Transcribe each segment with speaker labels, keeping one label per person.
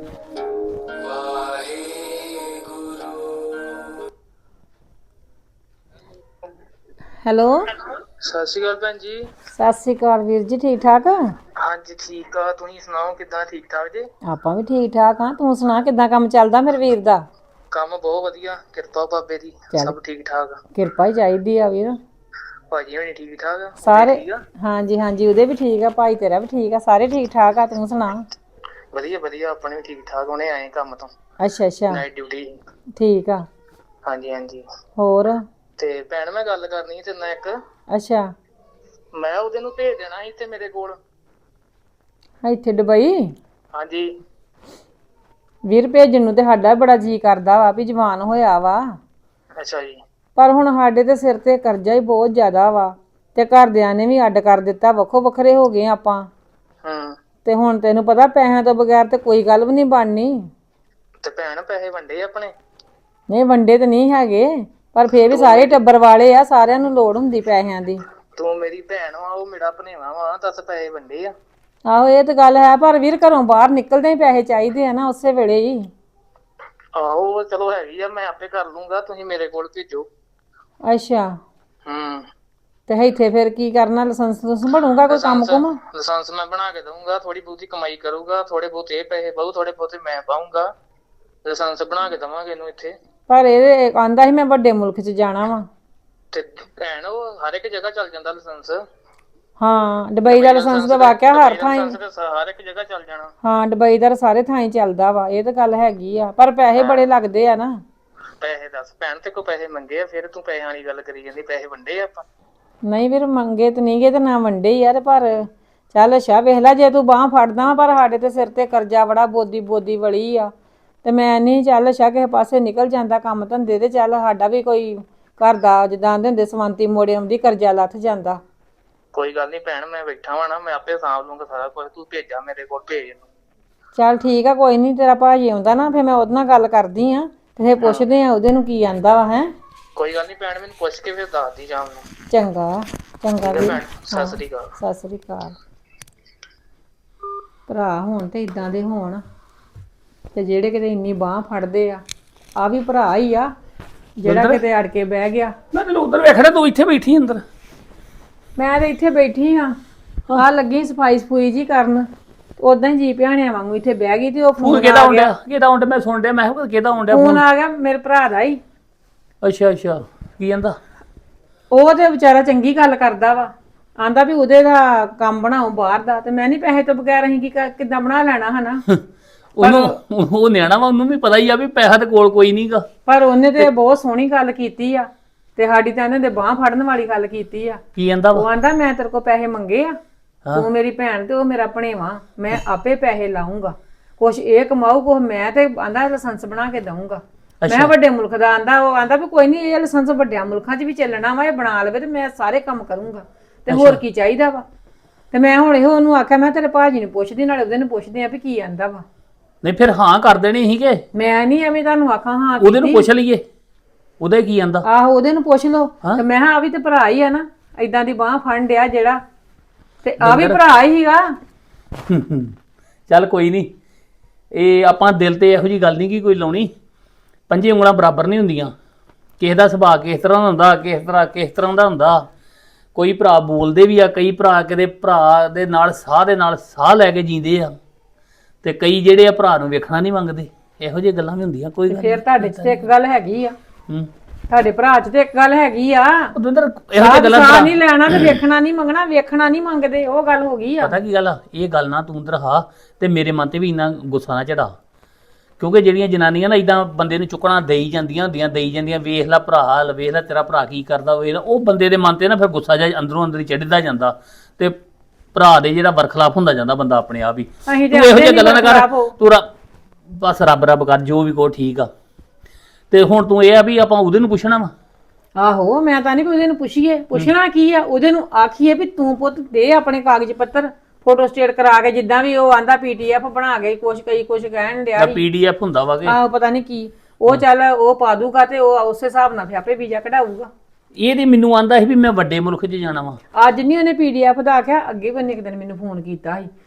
Speaker 1: Hello.
Speaker 2: ਸਤਿ ਸ਼੍ਰੀ ਅਕਾਲ ਭੈਣ ਜੀ।
Speaker 1: ਸਤਿ ਸ੍ਰੀ ਅਕਾਲ ਵੀਰ ਜੀ, ਠੀਕ ਠਾਕ?
Speaker 2: ਹਾਂਜੀ ਠੀਕ ਆ, ਤੁਸੀਂ ਸੁਣਾਓ ਕਿੱਦਾਂ, ਠੀਕ ਠਾਕ ਜੀ?
Speaker 1: ਆਪਾਂ ਵੀ ਠੀਕ ਠਾਕ ਆ। ਤੂੰ ਸੁਣਾ ਕਿੱਦਾਂ ਕੰਮ ਚੱਲਦਾ ਮੇਰੇ ਵੀਰ ਦਾ?
Speaker 2: ਕੰਮ ਬਹੁਤ ਵਧੀਆ, ਕਿਰਪਾ ਬਾਬੇ ਦੀ,
Speaker 1: ਚੱਲ
Speaker 2: ਸਭ ਠੀਕ ਠਾਕ ਆ।
Speaker 1: ਕਿਰਪਾ ਹੀ ਚਾਹੀਦੀ ਆ ਵੀਰ।
Speaker 2: ਭਾਜੀ ਹੋਣੀ ਠੀਕ ਠਾਕ ਆ? ਉਹਦੇ
Speaker 1: ਸਾਰੇ
Speaker 2: ਠੀਕ ਆ?
Speaker 1: ਹਾਂਜੀ ਹਾਂਜੀ, ਉਹਦੇ ਵੀ ਠੀਕ ਆ, ਭਾਈ ਤੇਰਾ ਵੀ ਠੀਕ ਆ, ਸਾਰੇ ਠੀਕ ਠਾਕ ਆ। ਤੂੰ ਸੁਣਾ?
Speaker 2: ਵਧੀਆ ਵਧੀਆ, ਆਪਣੇ ਵੀ ਠੀਕ ਠਾਕ। ਹੁਣੇ ਆਏ ਕੰਮ ਤੋਂ,
Speaker 1: ਅੱਛਾ ਅੱਛਾ,
Speaker 2: ਨਾਈਟ ਡਿਊਟੀ।
Speaker 1: ਠੀਕ ਆ।
Speaker 2: ਹਾਂਜੀ ਹਾਂਜੀ।
Speaker 1: ਹੋਰ?
Speaker 2: ਤੇ ਭੈਣ ਮੈਂ ਗੱਲ ਕਰਨੀ ਤੇਰੇ ਨਾਲ ਇੱਕ।
Speaker 1: ਅੱਛਾ।
Speaker 2: ਮੈਂ ਉਹਦੇ ਨੂੰ ਭੇਜ ਦੇਣਾ ਸੀ ਤੇ ਮੇਰੇ ਕੋਲ।
Speaker 1: ਇੱਥੇ ਦੁਬਈ?
Speaker 2: ਹਾਂਜੀ।
Speaker 1: ਵੀਰ ਭੇਜਣ ਨੂੰ ਤੇ ਸਾਡਾ ਬੜਾ ਜੀਅ ਕਰਦਾ ਵਾ ਵੀ ਜਵਾਨ ਹੋਇਆ ਵਾ।
Speaker 2: ਅੱਛਾ ਜੀ।
Speaker 1: ਪਰ ਹੁਣ ਸਾਡੇ ਤੇ ਸਿਰ ਤੇ ਕਰਜ਼ਾ ਹੀ ਬਹੁਤ ਜ਼ਿਆਦਾ ਵਾ ਤੇ ਘਰਦਿਆਂ ਨੇ ਵੀ ਅੱਡ ਕਰ ਦਿੱਤਾ, ਵੱਖੋ ਵੱਖਰੇ ਹੋ ਗਏ ਆਪਾਂ। ਤੇ ਹੁਣ ਤੈਨੂੰ ਪਤਾ ਪੈਸਿਆਂ ਤੋਂ ਬਗੈਰ ਤੇ ਕੋਈ ਗੱਲ ਵੀ ਨਹੀਂ ਬਣਨੀ।
Speaker 2: ਤੇ ਭੈਣ ਪੈਸੇ ਵੰਡੇ ਆਪਣੇ?
Speaker 1: ਨਹੀਂ ਵੰਡੇ ਤੇ ਨਹੀਂ ਹੈਗੇ, ਪਰ ਫੇਰ ਵੀ
Speaker 2: ਤੂੰ
Speaker 1: ਸਾਰੇ
Speaker 2: ਮੇਰੀ
Speaker 1: ਟੱਬਰ ਵਾਲੇ ਆ, ਸਾਰਿਆਂ ਨੂੰ ਲੋੜ ਹੁੰਦੀ ਪੈਸਿਆਂ ਦੀ।
Speaker 2: ਤੂੰ ਮੇਰੀ ਭੈਣ ਵਾ, ਉਹ ਮੇਰਾ ਭਣੇਵਾ ਵਾ, ਦੱਸ ਪੈਸੇ ਵੰਡੇ ਆ?
Speaker 1: ਆਹੋ ਇਹ ਤੇ ਗੱਲ ਹੈ, ਪਰ ਵੀਰ ਘਰੋਂ ਬਾਹਰ ਨਿਕਲਦੇ ਹੀ ਪੈਸੇ ਚਾਹੀਦੇ ਆ ਨਾ, ਉਸੇ ਵੇਲੇ ਹੀ।
Speaker 2: ਆਹੋ ਚਲੋ ਹੈਗੀ ਆ, ਮੈਂ ਆਪੇ ਕਰ ਲੂੰਗਾ, ਤੁਸੀਂ ਮੇਰੇ ਕੋਲ ਭੇਜੋ।
Speaker 1: ਅੱਛਾ।
Speaker 2: ਹੂੰ।
Speaker 1: ਤੇ ਇੱਥੇ ਫਿਰ ਕੀ ਕਰਨਾ, ਲਾਇਸੈਂਸ ਬਣੂਗਾ ਕੋਈ ਕੰਮ ਕੁਮ?
Speaker 2: ਲਾਇਸੈਂਸ ਮੈਂ ਬਣਾ ਕੇ ਦਊਂਗਾ, ਥੋੜੀ ਬਹੁਤੀ ਕਮਾਈ ਕਰੂਗਾ, ਥੋੜੇ ਬਹੁਤ ਇਹ ਪੈਸੇ ਪਾਊ, ਥੋੜੇ ਬਹੁਤੇ ਮੈਂ ਪਾਊਂਗਾ। ਲਾਇਸੈਂਸ ਬਣਾ ਕੇ ਦੇਵਾਂਗੇ ਇਹਨੂੰ ਇੱਥੇ।
Speaker 1: ਪਰ ਇਹ ਆਂਦਾ ਸੀ ਮੈਂ ਵੱਡੇ ਮੁਲਕ 'ਚ ਜਾਣਾ ਵਾ।
Speaker 2: ਤੇ ਭੈਣ ਉਹ ਹਰ ਇੱਕ ਜਗ੍ਹਾ ਚੱਲ ਜਾਂਦਾ ਲਾਇਸੈਂਸ।
Speaker 1: ਹਾਂ ਦੁਬਈ ਦਾ ਲਾਇਸੈਂਸ ਤਾਂ ਵਾਕਿਆ ਹਰ ਥਾਂ ਹੀ।
Speaker 2: ਹਰ ਇੱਕ ਜਗ੍ਹਾ ਚੱਲ ਜਾਣਾ।
Speaker 1: ਹਾਂ ਦੁਬਈ ਦਾ ਸਾਰੇ ਥਾਂ ਹੀ ਚੱਲਦਾ ਵਾ, ਇਹ ਤਾਂ ਗੱਲ ਹੈਗੀ ਆ, ਪਰ ਪੈਸੇ ਬੜੇ ਲੱਗਦੇ ਆ ਨਾ।
Speaker 2: ਪੈਸੇ ਦੱਸ ਭੈਣ, ਤੇ ਕੋ ਪੈਸੇ ਮੰਗੇ ਆ, ਫਿਰ ਤੂੰ ਪੈਸਿਆਂ ਵਾਲੀ ਗੱਲ ਕਰੀ ਜਾਂਦੀ, ਪੈਸੇ ਵੰਡੇ ਆ ਆਪਾਂ?
Speaker 1: ਨਹੀਂ ਵੀਰ ਮੰਗੇ ਤੇ ਨਹੀਂ ਗਏ ਤੇ ਨਾ ਵੰਡੇ ਹੀ ਆ, ਤੇ ਪਰ ਚੱਲ ਅੱਛਾ ਵੇਖ ਲੈ, ਜੇ ਤੂੰ ਬਾਂਹ ਫੜਦਾ, ਪਰ ਸਾਡੇ ਤੇ ਸਿਰ ਤੇ ਕਰਜ਼ਾ ਬੜਾ ਬੋਦੀ ਬੋਦੀ ਵਲੀ ਆ। ਤੇ ਮੈਂ ਨਹੀਂ, ਚੱਲ ਅੱਛਾ ਕਿਸੇ ਪਾਸੇ ਨਿਕਲ ਜਾਂਦਾ ਕੰਮ ਧੰਦੇ ਤੇ, ਚੱਲ ਸਾਡਾ ਵੀ ਕੋਈ ਘਰ ਦਾ ਜਿੱਦਾਂ ਆਂਦੇ ਹੁੰਦੇ ਸਵੰਤੀ ਮੋੜੇ ਆਉਂਦੀ, ਕਰਜ਼ਾ ਲੱਥ ਜਾਂਦਾ।
Speaker 2: ਕੋਈ ਗੱਲ ਨਹੀਂ ਭੈਣ, ਮੈਂ ਬੈਠਾ ਵਾ ਨਾ, ਮੈਂ ਆਪੇ ਸਾਂਭ ਲੂੰਗਾ ਸਾਰਾ ਕੁਝ, ਤੂੰ ਭੇਜਾ ਮੇਰੇ ਕੋਲ, ਭੇਜ ਇਹਨੂੰ।
Speaker 1: ਚੱਲ ਠੀਕ ਆ, ਕੋਈ ਨਹੀਂ, ਤੇਰਾ ਭਾਜੀ ਆਉਂਦਾ ਨਾ, ਫਿਰ ਮੈਂ ਉਹਦੇ ਨਾਲ ਗੱਲ ਕਰਦੀ ਆ, ਤੇ ਫਿਰ ਪੁੱਛਦੇ ਆ ਉਹਦੇ ਨੂੰ ਕੀ ਆਂਦਾ ਵਾ। ਹੈਂ
Speaker 2: ਕੋਈ ਗੱਲ ਨਹੀਂ ਭੈਣ, ਮੈਨੂੰ ਪੁੱਛ ਕੇ ਫਿਰ ਦੱਸਦੀ ਸ਼ਾਮ ਨੂੰ।
Speaker 1: ਚੰਗਾ ਚੰਗਾ ਵੀਰ।
Speaker 2: ਸਤਿ ਸ੍ਰੀ ਅਕਾਲ।
Speaker 1: ਸਤਿ ਸ੍ਰੀ ਅਕਾਲ। ਭਰਾ ਹੋਣ ਤੇ ਇਦਾਂ ਦੇ ਹੋਣ, ਤੇ ਜਿਹੜੇ ਕਿਤੇ ਇੰਨੀ ਬਾਂਹ ਫੜਦੇ ਆ। ਆ ਵੀ ਭਰਾ ਹੀ ਆ ਜਿਹੜਾ ਕਿਤੇ ਅੜ ਕੇ ਬਹਿ ਗਿਆ।
Speaker 3: ਮੈਂ ਤੈਨੂੰ ਉਧਰ ਵੇਖਣਾ, ਤੂੰ ਇੱਥੇ ਬੈਠੀ ਅੰਦਰ।
Speaker 1: ਮੈਂ ਤੇ ਇੱਥੇ ਬੈਠੀ ਹਾਂ, ਆ ਲੱਗੀ ਸਫਾਈ ਸਫੂਈ ਜੀ ਕਰਨ, ਉਦਾਂ ਹੀ ਜੀ ਭਿਆਣਿਆਂ ਵਾਂਗੂ ਇੱਥੇ ਬਹਿ ਗਈ, ਤੇ ਉਹ ਫੋਨ
Speaker 3: ਕਿਹਦਾ
Speaker 1: ਆ ਗਿਆ।
Speaker 3: ਕਿਹਦਾ ਆਉਂਦਾ ਮੈਂ ਸੁਣ ਡਿਆ, ਮੈਂ ਕਿਹਾ ਕਿਹਦਾ ਆਉਂਦਾ
Speaker 1: ਫੋਨ ਆ ਗਿਆ ਮੇਰੇ ਭਰਾ ਦਾ ਹੀ।
Speaker 3: ਅੱਛਾ ਅੱਛਾ, ਕੀ ਕਹਿੰਦਾ?
Speaker 1: ਉਹ ਤੇ ਵਿਚਾਰਾ ਚੰਗੀ ਗੱਲ ਕਰਦਾ ਵਾ, ਆਂਦਾ ਵੀ ਉਹਦੇ ਦਾ ਕੰਮ ਬਣਾਓ ਬਾਹਰ ਦਾ, ਤੇ ਮੈਂ ਨਹੀਂ ਪੈਸੇ ਤੋਂ ਬਗੈਰ ਅਸੀਂ ਕਿੱਦਾਂ ਬਣਾ ਲੈਣਾ ਹਨਾ।
Speaker 3: ਉਹਨੂੰ ਉਹ ਨਿਆਣਾ ਵਾ, ਉਹਨੂੰ ਵੀ ਪਤਾ ਹੀ ਆ ਵੀ ਪੈਸਾ ਤੇ ਕੋਲ ਕੋਈ ਨਹੀਂਗਾ।
Speaker 1: ਪਰ ਉਹਨੇ ਤੇ ਬਹੁਤ ਸੋਹਣੀ ਗੱਲ ਕੀਤੀ ਆ, ਤੇ ਸਾਡੀ ਤਾਂ ਇਹਨਾਂ ਦੇ ਬਾਂਹ ਫੜਨ ਵਾਲੀ ਗੱਲ ਕੀਤੀ ਆ।
Speaker 3: ਕੀ ਕਹਿੰਦਾ
Speaker 1: ਉਹ ਆਂਦਾ ਮੈਂ ਤੇਰੇ ਕੋਲ ਪੈਸੇ ਮੰਗੇ ਆ, ਤੂੰ ਮੇਰੀ ਭੈਣ ਤੇ ਉਹ ਮੇਰਾ ਭਣੇਵਾ, ਮੈਂ ਆਪੇ ਪੈਸੇ ਲਾਉਂਗਾ, ਕੁਛ ਇਹ ਕਮਾਊ, ਕੁਛ ਮੈਂ, ਤੇ ਆਂਦਾ ਲਾਇਸੈਂਸ ਬਣਾ ਕੇ ਦਊਂਗਾ। ਮੈਂ ਵੱਡੇ ਮੁਲਕ ਦਾ ਆਂਦਾ, ਉਹ ਆਂਦਾ ਵੀ ਕੋਈ ਨਹੀਂ, ਇਹ ਲਾਇਸੈਂਸ ਵੱਡਿਆਂ ਮੁਲਕਾਂ 'ਚ ਵੀ ਚੱਲਣਾ ਵਾ, ਇਹ ਬਣਾ ਲਵੇ ਤੇ ਮੈਂ ਸਾਰੇ ਕੰਮ ਕਰੂੰਗਾ, ਤੇ ਹੋਰ ਕੀ ਚਾਹੀਦਾ ਵਾ। ਤੇ ਮੈਂ ਹੁਣ ਇਹੋ ਉਹਨੂੰ ਆਖਿਆ, ਮੈਂ ਤੇਰੇ ਭਾਜੀ ਨੂੰ ਪੁੱਛਦੀ, ਨਾਲੇ ਉਹਦੇ ਨੂੰ ਪੁੱਛਦੇ ਆ ਵੀ ਕੀ ਆਂਦਾ ਵਾ।
Speaker 3: ਨਹੀਂ ਫਿਰ ਹਾਂ ਕਰ ਦੇਣੀ ਸੀਗੇ।
Speaker 1: ਮੈਂ ਨਹੀਂ ਐਵੇਂ ਤੁਹਾਨੂੰ ਆਖਾਂ ਹਾਂ
Speaker 3: ਉਹਦੇ ਨੂੰ ਪੁੱਛ ਲਈਏ, ਉਹਦੇ ਕੀ ਆਂਦਾ।
Speaker 1: ਆਹੋ ਉਹਦੇ ਨੂੰ ਪੁੱਛ ਲਓ। ਤੇ ਮੈਂ ਕਿਹਾ ਆ ਵੀ ਤੇ ਭਰਾ ਹੀ ਆ ਨਾ, ਏਦਾਂ ਦੀ ਬਾਂਹ ਫੜਨ ਡਿਆ ਜਿਹੜਾ, ਤੇ ਆ ਵੀ ਭਰਾ ਹੀ ਸੀਗਾ।
Speaker 3: ਚੱਲ ਕੋਈ ਨਹੀਂ, ਇਹ ਆਪਾਂ ਦਿਲ ਤੇ ਇਹੋ ਜੀ ਗੱਲ ਨਹੀਂ ਕਿ ਕੋਈ ਲਾਉਣੀ, ਪੰਜੇ ਉਂਗਲਾਂ ਬਰਾਬਰ ਨਹੀਂ ਹੁੰਦੀਆਂ, ਕਿਸੇ ਦਾ ਸੁਭਾਅ ਕਿਸ ਤਰ੍ਹਾਂ ਦਾ ਹੁੰਦਾ, ਕਿਸ ਤਰ੍ਹਾਂ ਦਾ ਹੁੰਦਾ। ਕੋਈ ਭਰਾ ਬੋਲਦੇ ਵੀ ਆ, ਕਈ ਭਰਾ ਕਿਤੇ ਭਰਾ ਦੇ ਨਾਲ ਸਾਹ ਲੈ ਕੇ ਜੀਂਦੇ ਆ, ਤੇ ਕਈ ਜਿਹੜੇ ਆ ਭਰਾ ਨੂੰ ਵੇਖਣਾ ਨਹੀਂ ਮੰਗਦੇ। ਇਹੋ ਜਿਹੀ ਗੱਲਾਂ ਵੀ ਹੁੰਦੀਆਂ। ਕੋਈ ਗੱਲ
Speaker 1: ਫਿਰ ਤੁਹਾਡੇ 'ਚ ਤੇ ਇੱਕ ਗੱਲ ਹੈਗੀ ਆ,
Speaker 3: ਹੂੰ
Speaker 1: ਤੁਹਾਡੇ ਭਰਾ 'ਚ ਤੇ ਇੱਕ ਗੱਲ ਹੈਗੀ ਆ,
Speaker 3: ਦਵਿੰਦਰ, ਇਹੋ ਜਿਹੀ ਗੱਲਾਂ
Speaker 1: ਸਾਹ ਨਹੀਂ ਲੈਣਾ ਤੇ ਵੇਖਣਾ ਨਹੀਂ ਮੰਗਣਾ, ਵੇਖਣਾ ਨਹੀਂ ਮੰਗਦੇ, ਉਹ ਗੱਲ ਹੋ ਗਈ ਆ।
Speaker 3: ਪਤਾ ਕੀ ਗੱਲ ਆ, ਇਹ ਗੱਲ ਨਾ ਤੂੰ ਦਰਹਾ, ਤੇ ਮੇਰੇ ਮਨ ਤੇ ਵੀ ਇੰਨਾ ਗੁੱਸਾ ਨਾ ਚੜਾ, ਕਿਉਂਕਿ ਜਿਹੜੀਆਂ ਜਨਾਨੀਆਂ ਨਾ ਇਦਾਂ ਬੰਦੇ ਨੂੰ ਚੁੱਕਣਾ ਦੇਈ ਜਾਂਦੀਆਂ, ਵੇਖ ਲੈ ਭਰਾ, ਵੇਖ ਲੈ ਤੇਰਾ ਭਰਾ ਕੀ ਕਰਦਾ, ਉਹ ਬੰਦੇ ਦੇ ਮਨ ਤੇ ਨਾ ਫਿਰ ਗੁੱਸਾ ਜਿਹਾ ਅੰਦਰੋਂ ਅੰਦਰ ਹੀ ਚੜ੍ਹਦਾ ਜਾਂਦਾ, ਤੇ ਭਰਾ ਦੇ ਜਿਹੜਾ ਬਰਖਲਾਫ ਹੁੰਦਾ ਜਾਂਦਾ ਬੰਦਾ ਆਪਣੇ ਆਪ ਹੀ। ਤੂੰ ਇਹੋ ਜਿਹੀਆਂ ਗੱਲਾਂ ਨਾ ਕਰ, ਤੂੰ ਬਸ ਰੱਬ ਰੱਬ ਕਰ, ਜੋ ਵੀ ਕੋ ਠੀਕ ਆ। ਤੇ ਹੁਣ ਤੂੰ ਇਹ ਆ ਵੀ ਆਪਾਂ ਉਹਦੇ ਨੂੰ ਪੁੱਛਣਾ ਵਾ।
Speaker 1: ਆਹੋ ਮੈਂ ਤਾਂ ਨਹੀਂ ਵੀ ਉਹਦੇ ਨੂੰ ਪੁੱਛੀਏ, ਪੁੱਛਣਾ ਕੀ ਆ, ਉਹਦੇ ਨੂੰ ਆਖੀਏ ਵੀ ਤੂੰ ਪੁੱਤ ਦੇ ਆਪਣੇ ਕਾਗਜ਼ ਪੱਤਰ, ਫੋਟੋ ਸਟੇਟ ਕਰਾ ਕੇ, ਜਿੱਦਾਂ ਵੀ ਉਹ ਆਂਦਾ PDF ਬਣਾ ਕੇ, ਕੁਛ ਕਹਿਣ ਡਿਆ
Speaker 3: PDF ਹੁੰਦਾ ਵਾ ਕਿ
Speaker 1: ਆਹੋ ਪਤਾ ਨਹੀਂ ਕੀ, ਉਹ ਚੱਲ ਉਹ ਪਾ ਦੂਗਾ, ਤੇ ਉਹ ਉਸੇ ਹਿਸਾਬ ਨਾਲ ਫਿਰ ਆਪੇ ਵੀਜ਼ਾ ਕਢਾਊਗਾ।
Speaker 3: ਇਹ ਤੇ ਮੈਨੂੰ ਆਂਦਾ ਸੀ ਵੀ ਮੈਂ ਵੱਡੇ ਮੁਲਕ 'ਚ ਜਾਣਾ ਵਾ।
Speaker 1: ਅੱਜ ਨਹੀਂ ਉਹਨੇ PDF ਦਾ ਆਖਿਆ, ਅੱਗੇ ਵੀ ਉਹਨੇ ਇੱਕ ਦਿਨ ਮੈਨੂੰ ਫੋਨ ਕੀਤਾ ਸੀ,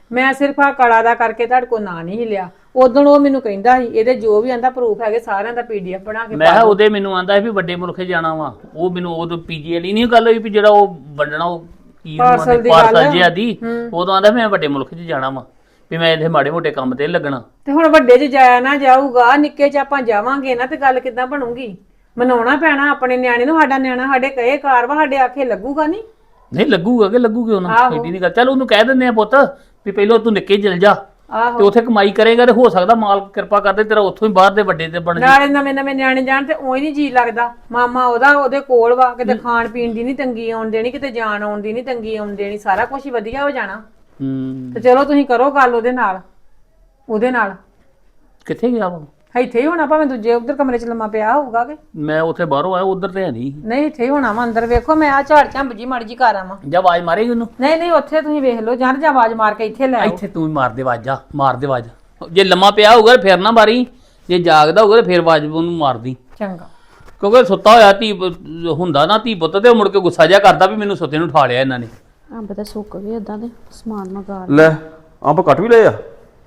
Speaker 1: ਮੈਂ ਸਿਰਫ ਆ ਕਲਾ ਦਾ ਕਰਕੇ ਤੁਹਾਡੇ ਕੋਲ ਨਾਂ ਨਹੀਂ ਲਿਆ। ਉਦੋਂ ਉਹ ਮੈਨੂੰ ਕਹਿੰਦਾ ਸੀ ਇਹਦੇ ਜੋ ਵੀ ਆਂਦਾ ਪ੍ਰੂਫ ਹੈਗੇ ਸਾਰਿਆਂ ਦਾ PDF ਬਣਾ ਕੇ
Speaker 3: ਮੈਂ ਕਿਹਾ ਉਹਦੇ ਮੈਨੂੰ ਆਂਦਾ ਵੀ ਵੱਡੇ ਮੁਲਕ 'ਚ ਜਾਣਾ ਵਾ, ਉਹ ਮੈਨੂੰ ਉਦੋਂ PG ਵਾਲੀ ਨਹੀਂ ਗੱਲ ਹੋਈ ਵੀ ਜਿਹੜਾ ਉਹ ਵੰਡਣਾ ਉਹ ਕੀ
Speaker 1: ਪਾਰਸਲ ਦੀ
Speaker 3: ਪਾਰਸਲ ਜਿਹਾ ਦੀ, ਉਦੋਂ ਆਂਦਾ ਮੈਂ ਵੱਡੇ ਮੁਲਕ 'ਚ ਜਾਣਾ ਵਾ ਵੀ ਮੈਂ ਇੱਥੇ ਮਾੜੇ ਮੋਟੇ ਕੰਮ ਤੇ ਨੀ ਲੱਗਣਾ।
Speaker 1: ਤੇ ਹੁਣ ਵੱਡੇ 'ਚ ਜਾਇਆ ਨਾ ਜਾਊਗਾ, ਨਿੱਕੇ 'ਚ ਆਪਾਂ ਜਾਵਾਂਗੇ ਨਾ ਤੇ ਗੱਲ ਕਿੱਦਾਂ ਬਣੂਗੀ? ਮਨਾਉਣਾ ਪੈਣਾ ਆਪਣੇ ਨਿਆਣੇ ਨੂੰ। ਸਾਡਾ ਨਿਆਣਾ ਸਾਡੇ ਕਹੇ ਕਾਰ ਵਾ, ਸਾਡੇ ਆਖੇ ਲੱਗੂਗਾ ਨਹੀਂ?
Speaker 3: ਨਹੀਂ ਲੱਗੂਗਾ ਕਿ ਲੱਗੂਗੀ ਉਹਨਾਂ ਐਡੀ ਨਹੀਂ ਗੱਲ। ਚੱਲ ਉਹਨੂੰ ਕਹਿ ਦਿੰਦੇ ਆ ਪੁੱਤ ਵੀ ਪਹਿਲਾਂ ਤੂੰ ਨਿੱਕੇ ਚਲ ਜਾ ਤੇ ਉੱਥੇ ਕਮਾਈ ਕਰੇਗਾ ਤੇ ਹੋ ਸਕਦਾ ਮਾਲਕ ਕਿਰਪਾ ਕਰਦੇ ਤੇਰਾ ਉੱਥੋਂ ਹੀ ਬਾਹਰ ਦੇ ਵੱਡੇ ਤੇ ਬਣ ਜਾ।
Speaker 1: ਨਾਲੇ ਨਵੇਂ ਨਵੇਂ ਨਿਆਣੇ ਜਾਣ ਤੇ ਉਹੀ ਨਹੀਂ ਜੀ ਲੱਗਦਾ। ਮਾਮਾ ਉਹਦੇ ਕੋਲ ਵਾ, ਕਿਤੇ ਖਾਣ ਪੀਣ ਦੀ ਨਹੀਂ ਤੰਗੀ ਆਉਣ ਦੇਣੀ, ਕਿਤੇ ਜਾਣ ਆਉਣ ਦੀ ਨਹੀਂ ਤੰਗੀ ਆਉਣ ਦੇਣੀ, ਸਾਰਾ ਕੁਝ ਹੀ ਵਧੀਆ ਹੋ ਜਾਣਾ। ਤੇ ਚਲੋ ਤੁਸੀਂ ਕਰੋ ਗੱਲ ਉਹਦੇ ਨਾਲ।
Speaker 3: ਕਿੱਥੇ ਗਿਆ ਵਾ?
Speaker 1: ਇੱਥੇ ਹੀ ਹੋਣਾ, ਭਾਵੇਂ ਦੂਜੇ ਉਧਰ ਕਮਰੇ 'ਚ ਲੰਮਾ ਪਿਆ ਹੋਊਗਾ ਕਿ
Speaker 3: ਮੈਂ ਉੱਥੇ ਬਾਹਰੋਂ ਆਇਆ, ਉਧਰ ਤੇ ਹੈ ਨਹੀਂ
Speaker 1: ਇੱਥੇ ਹੀ ਹੋਣਾ ਵਾ ਅੰਦਰ। ਵੇਖੋ ਮੈਂ ਆ ਝਾੜ ਝੰਬ ਜੀ ਮੜ ਜੀ ਕਰ ਆਵਾਂ।
Speaker 3: ਜਾਂ ਆਵਾਜ਼ ਮਾਰੇਗੀ ਉਹਨੂੰ?
Speaker 1: ਨਹੀਂ ਉੱਥੇ ਤੁਸੀਂ ਵੇਖ ਲਓ, ਜਾਂ ਆਵਾਜ਼ ਮਾਰ ਕੇ ਇੱਥੇ ਲੈ ਆਓ।
Speaker 3: ਇੱਥੇ ਤੂੰ ਹੀ ਮਾਰ ਦੇ ਆਵਾਜ਼, ਮਾਰ ਦੇ ਆਵਾਜ਼। ਜੇ ਲੰਮਾ ਪਿਆ ਹੋਊਗਾ ਫਿਰ ਨਾ ਮਾਰੀ, ਜੇ ਜਾਗਦਾ ਹੋਊਗਾ ਫਿਰ ਆਵਾਜ਼ ਉਹਨੂੰ ਮਾਰਦੀ।
Speaker 1: ਚੰਗਾ।
Speaker 3: ਕਿਉਂਕਿ ਸੁੱਤਾ ਹੋਇਆ ਧੀ ਹੁੰਦਾ ਨਾ ਧੀ ਪੁੱਤ, ਤੇ ਮੁੜ ਕੇ ਗੁੱਸਾ ਜਿਹਾ ਕਰਦਾ ਵੀ ਮੈਨੂੰ ਸੁੱਤੇ ਨੂੰ ਉਠਾ ਲਿਆ ਇਹਨਾਂ ਨੇ।
Speaker 4: ਅੰਬ ਤਾਂ ਸੁੱਕ ਗਏ ਏਦਾਂ ਦੇ, ਸਮਾਨ ਮੰਗਾ
Speaker 5: ਲੈ ਅੰਬ ਕੱਟ ਵੀ ਲਏ ਆ?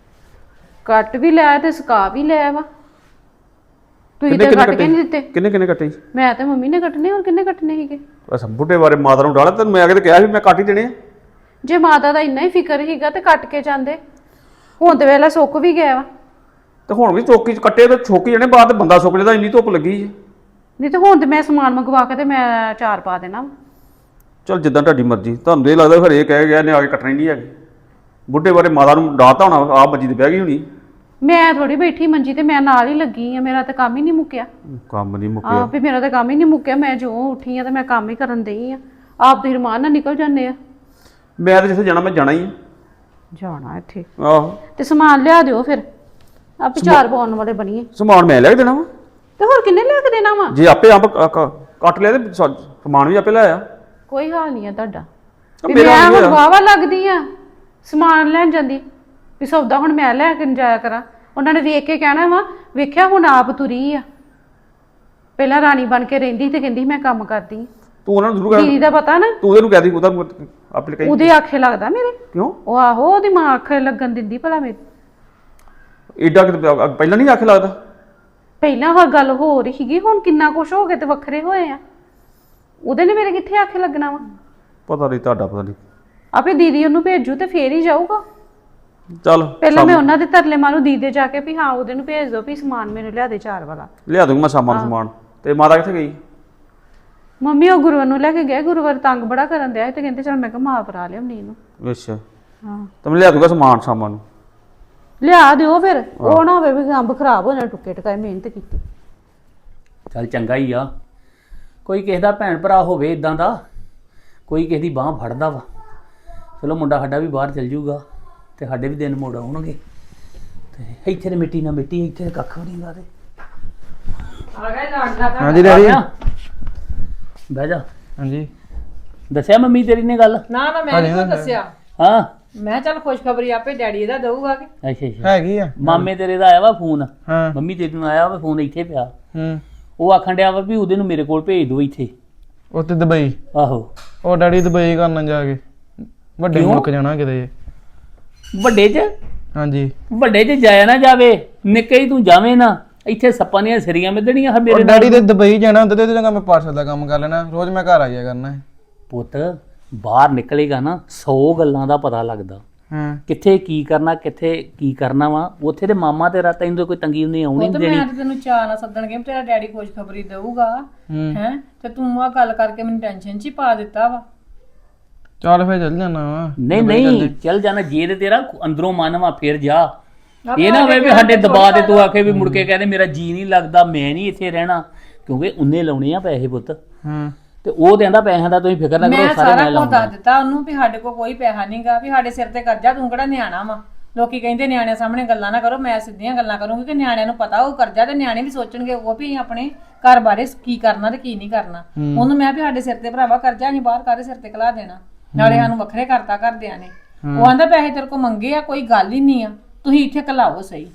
Speaker 4: ਕੱਟ ਵੀ ਲਿਆ ਤੇ ਸੁਕਾ ਵੀ ਲਿਆ ਵਾ। ਤੁਸੀਂ ਤਾਂ ਕੱਟ ਕੇ ਨਹੀਂ ਦਿੱਤੇ।
Speaker 5: ਕਿੰਨੇ ਕੱਟੇ?
Speaker 4: ਮੈਂ ਤੇ ਮੰਮੀ ਨੇ ਕੱਟਨੇ, ਹੋਰ ਕਿੰਨੇ ਕੱਟਨੇ ਸੀਗੇ?
Speaker 5: ਅੱਛਾ ਬੁੱਢੇ ਬਾਰੇ ਮਾਤਾ ਨੂੰ ਡਾਲਾ ਤੈਨੂੰ ਮੈਂ ਅਗੇ ਤੇ ਕਿਹਾ ਸੀ ਮੈਂ ਕੱਟ ਹੀ ਦੇਣੇ ਆ।
Speaker 4: ਜੇ ਮਾਤਾ ਦਾ ਇੰਨਾ ਹੀ ਫਿਕਰ ਸੀਗਾ ਤੇ ਕੱਟ ਕੇ ਜਾਂਦੇ। ਹੁਣ ਤੇ ਵੇਲਾ ਸੁੱਕ ਵੀ ਗਿਆ ਵਾ।
Speaker 5: ਤੇ ਹੁਣ ਵੀ ਚੌਕੀ 'ਚ ਕੱਟੇ ਤੇ ਛੋਕੀ ਜਾਣੇ ਬਾਅਦ ਤੇ ਬੰਦਾ ਸੁੱਕ ਜਾਂਦਾ, ਇੰਨੀ ਧੁੱਪ ਲੱਗੀ ਹੈ।
Speaker 4: ਨਹੀਂ ਤੇ ਹੁਣ ਤੇ ਮੈਂ ਸਮਾਨ ਮੰਗਵਾ ਕੇ ਤੇ ਮੈਂ ਚਾਰ ਪਾ ਦੇਣਾ ਵਾ।
Speaker 5: ਚਲ ਜਿੱਦਾਂ ਤੁਹਾਡੀ ਮਰਜ਼ੀ। ਤੁਹਾਨੂੰ ਇਹ ਲੱਗਦਾ ਫਿਰ ਇਹ ਕਹਿ ਗਿਆ ਨੇ ਆ ਕੇ ਕੱਟਣੇ ਨਹੀਂ ਹੈਗੇ। ਬੁੱਢੇ ਬਾਰੇ ਮਾਤਾ ਨੂੰ ਡਾਤਾ ਹੋਣਾ, ਆਪ ਮੰਜੀ ਤੇ ਬਹਿ ਗਈ ਹੋਣੀ।
Speaker 4: ਮੈਂ ਥੋੜੀ ਬੈਠੀ ਮੰਜੀ ਤੇ, ਮੈਂ ਨਾਲ ਹੀ ਲੱਗੀ ਆ। ਮੇਰਾ ਤਾਂ ਕੰਮ ਹੀ ਨਹੀਂ ਮੁੱਕਿਆ।
Speaker 5: ਕੰਮ ਨਹੀਂ ਮੁੱਕਿਆ?
Speaker 4: ਆਪ ਵੀ ਮੇਰਾ ਤਾਂ ਕੰਮ ਹੀ ਨਹੀਂ ਮੁੱਕਿਆ। ਮੈਂ ਜੋ ਉੱਠੀ ਆ ਤੇ ਮੈਂ ਕੰਮ ਹੀ ਕਰਨ ਦਈ ਆ। ਆਪ ਤੁਸੀਂ ਰਮਾਨ ਨਾਲ ਨਿਕਲ ਜਾਂਦੇ ਆ।
Speaker 5: ਮੈਂ ਤਾਂ ਜਿੱਥੇ ਜਾਣਾ ਮੈਂ ਜਾਣਾ ਹੀ ਆ।
Speaker 4: ਜਾਣਾ ਇੱਥੇ
Speaker 5: ਆਹੋ
Speaker 4: ਤੇ ਸਮਾਨ ਲਿਆ ਦਿਓ ਫਿਰ, ਆਪੇ ਚਾਰ ਪਾਉਣ ਵਾਲੇ ਬਣੀਏ।
Speaker 5: ਸਮਾਨ ਮੈਂ ਲੈ ਕੇ ਦੇਣਾ ਵਾ?
Speaker 4: ਤੇ ਹੋਰ ਕਿੰਨੇ ਲਿਆ ਕੇ ਦੇਣਾ ਵਾ?
Speaker 5: ਜੇ ਆਪੇ ਅੰਬ ਕੱਟ ਲਿਆ ਤੇ ਸਮਾਨ ਵੀ ਆਪੇ ਲੈ ਆ।
Speaker 4: ਕੋਈ ਹਾਲ ਨਹੀਂ ਆ ਤੁਹਾਡਾ। ਵੀ
Speaker 5: ਮੇਰਾ
Speaker 4: ਮੈਂ
Speaker 5: ਨਹੀਂ
Speaker 4: ਹੁਣ
Speaker 5: ਹੋਇਆ।
Speaker 4: ਵਾਵਾ ਲੱਗਦੀ ਆ ਸਮਾਨ ਲੈਣ ਜਾਂਦੀ, ਵੀ ਸੌਦਾ ਹੁਣ ਮੈਂ ਲੈ ਕੇ ਜਾਇਆ ਕਰਾਂ। ਉਹਨਾਂ ਨੇ ਵੇਖ ਕੇ ਕਹਿਣਾ ਵਾ, ਵੇਖਿਆ ਹੁਣ ਆਪ ਤੁਰੀ ਆ। ਪਹਿਲਾਂ ਰਾਣੀ ਬਣ ਕੇ ਰਹਿੰਦੀ ਤੇ ਕਹਿੰਦੀ ਮੈਂ ਕੰਮ ਕਰਦੀ।
Speaker 5: ਤੂੰ ਉਹਨਾਂ ਨੂੰ ਜ਼ਰੂਰ
Speaker 4: ਦੀਦੀ ਦਾ ਪਤਾ ਨਾ,
Speaker 5: ਤੂੰ ਉਹਨੂੰ ਕਹਿ ਦੀ, ਉਹਦਾ ਆਪੇ ਕਹੀ।
Speaker 4: ਉਹਦੇ ਆਖੇ ਲੱਗਦਾ ਮੇਰੇ।
Speaker 5: ਕਿਉਂ?
Speaker 4: ਉਹ ਆਹੋ ਉਹਦੀ ਮਾਂ ਆਖੇ ਲੱਗਣ ਦਿੰਦੀ ਭਲਾ ਮੇਰੇ।
Speaker 5: ਏਡਾ ਕਿਤੇ ਪਹਿਲਾਂ ਨਹੀਂ ਆਖੇ ਲੱਗਦਾ?
Speaker 4: ਪਹਿਲਾਂ ਹੋਰ ਗੱਲ ਹੋ ਰਹੀ ਸੀਗੀ, ਹੁਣ ਕਿੰਨਾ ਕੁਛ ਹੋ ਗਏ ਤੇ ਵੱਖਰੇ ਹੋਏ ਆ। ਉਹਦੇ ਨੇ ਮੇਰੇ ਕਿੱਥੇ ਆਖੇ ਲੱਗਣਾ ਵਾ?
Speaker 5: ਪਤਾ ਨਹੀਂ ਤੁਹਾਡਾ, ਪਤਾ ਨਹੀਂ।
Speaker 4: ਆਪੇ ਦੀਦੀ ਉਹਨੂੰ ਭੇਜੂ ਤੇ ਫੇਰ ਹੀ ਜਾਊਗਾ।
Speaker 5: ਚੱਲ
Speaker 4: ਪਹਿਲਾਂ ਮੈਂ ਉਹਨਾਂ ਦੇ ਤਰਲੇ ਮਾਰੂ ਦੀਦੇ ਜਾ ਕੇ ਵੀ ਹਾਂ ਉਹਦੇ ਨੂੰ ਭੇਜ ਦਿਓ ਵੀ ਸਮਾਨ ਮੈਨੂੰ ਲਿਆ ਦੇ ਚਾਰ ਵਾਲਾ।
Speaker 5: ਲਿਆ ਦੂੰਗਾ ਮੈਂ ਸ਼ਾਮਾਂ ਨੂੰ ਸਮਾਨ। ਤੇ ਮਾਤਾ ਕਿੱਥੇ ਗਈ?
Speaker 4: ਮੰਮੀ ਉਹ ਗੁਰਵਰ ਨੂੰ ਲੈ ਕੇ ਗਏ। ਗੁਰਵਰ ਤੰਗ ਬੜਾ ਕਰਨ ਦਿਆ ਤੇ ਕਹਿੰਦੇ ਚਲ ਮੈਂ ਕਿਹਾ ਮਾਂ ਭਰਾ ਲਿਆਉਣੀ ਇਹਨੂੰ।
Speaker 5: ਅੱਛਾ
Speaker 4: ਹਾਂ
Speaker 5: ਤਾਂ ਮੈਂ ਲਿਆ ਦੂੰਗਾ ਸਮਾਨ ਸ਼ਾਮਾਂ ਨੂੰ।
Speaker 4: ਲਿਆ ਦਿਓ ਫਿਰ, ਉਹ ਨਾ ਹੋਵੇ ਵੀ ਅੰਬ ਖਰਾਬ ਹੋ ਜਾਣ, ਟੁੱਕੇ ਟਕਾਏ ਮਿਹਨਤ ਕੀਤੀ।
Speaker 3: ਚੱਲ ਚੰਗਾ ਹੀ ਆ, ਕੋਈ ਕਿਸੇ ਦਾ ਭੈਣ ਭਰਾ ਹੋਵੇ ਇਦਾਂ ਦਾ, ਕੋਈ ਕਿਸੇ ਦੀ ਬਾਂਹ ਫੜਦਾ ਵਾ। ਚਲੋ ਮੁੰਡਾ ਸਾਡਾ ਵੀ ਬਾਹਰ ਚਲ ਜਾਊਗਾ ਤੇ ਸਾਡੇ ਵੀ ਦਿਨ ਮੋੜ ਆਉਣਗੇ। ਤੇ ਇੱਥੇ ਤੇ ਮਿੱਟੀ ਨਾ ਮਿੱਟੀ, ਇੱਥੇ ਕੱਖ ਵੀ ਨਹੀਂ ਗਾ। ਤੇ
Speaker 1: ਆ ਗਿਆ ਲਾਡਲਾ ਤਾਂ।
Speaker 5: ਹਾਂਜੀ ਡੈਡੀ।
Speaker 3: ਬਹਿ ਜਾ।
Speaker 5: ਹਾਂਜੀ
Speaker 3: ਦੱਸਿਆ ਮੰਮੀ ਤੇਰੀ ਨੇ ਗੱਲ?
Speaker 1: ਨਾ ਮੈਂ ਨਹੀਂ ਕੋਈ ਦੱਸਿਆ।
Speaker 3: ਹਾਂ
Speaker 1: ਮੈਂ ਚੱਲ ਖੁਸ਼ਖਬਰੀ ਆਪੇ ਡੈਡੀ ਇਹਦਾ ਦਊਗਾ ਕਿ।
Speaker 3: ਅੱਛਾ
Speaker 5: ਹੈਗੀ ਆ।
Speaker 3: ਮਾਮੇ ਤੇਰੇ ਦਾ ਆਇਆ ਵਾ ਫੋਨ।
Speaker 5: ਹਾਂ
Speaker 3: ਮੰਮੀ ਤੇਰੀ ਨੂੰ ਆਇਆ ਵਾ ਫੋਨ, ਇੱਥੇ ਪਿਆ।
Speaker 5: ਉਹ
Speaker 3: ਉਹ ਆਖਣ ਡਿਆ ਵਾ ਵੀ ਉਹਦੇ ਨੂੰ ਮੇਰੇ ਕੋਲ ਭੇਜ ਦਿਓ ਇੱਥੇ।
Speaker 5: ਉੱਥੇ ਦੁਬਈ?
Speaker 3: ਆਹੋ।
Speaker 5: ਉਹ ਡੈਡੀ ਦੁਬਈ ਕਰਨਾ ਜਾ ਕੇ, ਵੱਡੇ ਮੁਲਕ ਜਾਣਾ ਕਿਤੇ।
Speaker 3: ਵੱਡੇ 'ਚ?
Speaker 5: ਹਾਂਜੀ
Speaker 3: ਵੱਡੇ 'ਚ ਜਾਇਆ ਨਾ ਜਾਵੇ, ਨਿੱਕੇ ਹੀ ਤੂੰ ਜਾਵੇਂ ਨਾ। ਇੱਥੇ ਸੱਪਾਂ ਦੀਆਂ ਸਿਰੀਆਂ ਮਿੱਧਣੀਆਂ ਮੇਰੇ
Speaker 5: ਡੈਡੀ ਤੇ ਦੁਬਈ ਜਾਣਾ ਹੁੰਦਾ ਤੇ ਚੰਗਾ ਮੈਂ ਪਾਰਸਲ ਦਾ ਕੰਮ ਕਰ ਲੈਣਾ, ਰੋਜ਼ ਮੈਂ ਘਰ ਆ ਜਾਇਆ ਕਰਨਾ ਹੈ।
Speaker 3: ਪੁੱਤ ਬਾਹਰ ਨਿਕਲੇਗਾ ਨਾ 100 ਗੱਲਾਂ ਦਾ ਪਤਾ ਲੱਗਦਾ।
Speaker 5: ਹਾਂ
Speaker 3: ਕਿੱਥੇ ਕੀ ਕਰਨਾ, ਕਿੱਥੇ ਕੀ ਕਰਨਾ ਵਾ। ਉੱਥੇ ਤੇ ਮਾਮਾ ਤੇਰਾ ਤੈਨੂੰ ਤਾਂ ਕੋਈ ਤੰਗੀ ਨਹੀਂ ਆਉਣੀ
Speaker 1: ਉਹ ਤਾਂ
Speaker 3: ਦੇਣੀ।
Speaker 1: ਮੈਂ ਤੇ ਤੈਨੂੰ ਚਾਹ ਨਾ ਸੱਦਣਗੇ ਤੇਰਾ ਡੈਡੀ ਖੁਸ਼ਖਬਰੀ ਦਊਗਾ ਹੈ, ਤੇ ਤੂੰ ਆ ਗੱਲ ਕਰਕੇ ਮੈਨੂੰ ਟੈਨਸ਼ਨ 'ਚ ਹੀ ਪਾ ਦਿੱਤਾ ਵਾ।
Speaker 5: ਚੱਲ ਫੇਰ ਚੱਲ ਜਾਣਾ ਵਾ।
Speaker 3: ਨਹੀਂ ਚੱਲ ਜਾਣਾ। ਜੇ ਤੇ ਤੇਰਾ ਅੰਦਰੋਂ ਮਨ ਵਾ ਫਿਰ ਜਾ। ਇਹ ਨਾ ਹੋਵੇ ਵੀ ਸਾਡੇ ਦਬਾਅ ਤੇ ਤੂੰ ਆਖੇ ਵੀ ਮੁੜ ਕੇ ਕਹਿੰਦੇ ਮੇਰਾ ਜੀ ਨਹੀਂ ਲੱਗਦਾ, ਮੈਂ ਨਹੀਂ ਇੱਥੇ ਰਹਿਣਾ। ਕਿਉਂਕਿ ਉਹਨੇ ਲਾਉਣੇ ਆ ਪੈਸੇ ਪੁੱਤ।
Speaker 5: ਹਾਂ
Speaker 3: ਤੇ ਉਹ ਕਹਿੰਦਾ ਪੈਸਿਆਂ ਦਾ ਤੁਸੀਂ ਫਿਕਰ ਨਾ ਕਰੋ,
Speaker 1: ਮੈਂ
Speaker 3: ਸਾਰੇ
Speaker 1: ਸਾਰਾ
Speaker 3: ਮੈਂ
Speaker 1: ਕੁਝ
Speaker 3: ਲਾਉਂਗਾ।
Speaker 1: ਦੱਸ ਦਿੱਤਾ ਉਹਨੂੰ ਵੀ ਸਾਡੇ ਕੋਲ ਕੋਈ ਪੈਸਾ ਨਹੀਂਗਾ, ਵੀ ਸਾਡੇ ਸਿਰ ਤੇ ਕਰਜ਼ਾ, ਤੂੰ ਕਿਹੜਾ ਨਿਆਣਾ ਵਾ। ਲੋਕੀ ਕਹਿੰਦੇ ਨਿਆਣਿਆਂ ਸਾਹਮਣੇ ਗੱਲਾਂ ਨਾ ਕਰੋ, ਮੈਂ ਸਿੱਧੀਆਂ ਗੱਲਾਂ ਕਰੂੰਗੀ ਕਿ ਨਿਆਣਿਆਂ ਨੂੰ ਪਤਾ ਉਹ ਕਰਜ਼ਾ, ਤੇ ਨਿਆਣੇ ਵੀ ਸੋਚਣਗੇ ਉਹ ਵੀ ਆਪਣੇ ਘਰ ਬਾਰੇ ਕੀ ਕਰਨਾ ਤੇ ਕੀ ਨਹੀਂ ਕਰਨਾ। ਉਹਨੂੰ ਮੈਂ ਵੀ ਸਾਡੇ ਸਿਰ ਤੇ ਭਰਾਵਾ ਕਰਜ਼ਾ ਅਸੀਂ ਬਾਹਰ ਕਾਹਦੇ ਸਿਰ ਤੇ ਕਲਾ ਦੇਣਾ, ਨਾਲੇ ਸਾਨੂੰ ਵੱਖਰੇ ਕਰਤਾ ਘਰਦਿਆਂ ਨੇ। ਉਹ ਆਂਦਾ ਪੈਸੇ ਤੇਰੇ ਕੋਲ ਮੰਗੇ ਆ, ਕੋਈ ਗੱਲ ਹੀ ਨਹੀਂ ਆ, ਤੁਸੀਂ ਇੱਥੇ ਘਲਾਓ ਸਹੀ।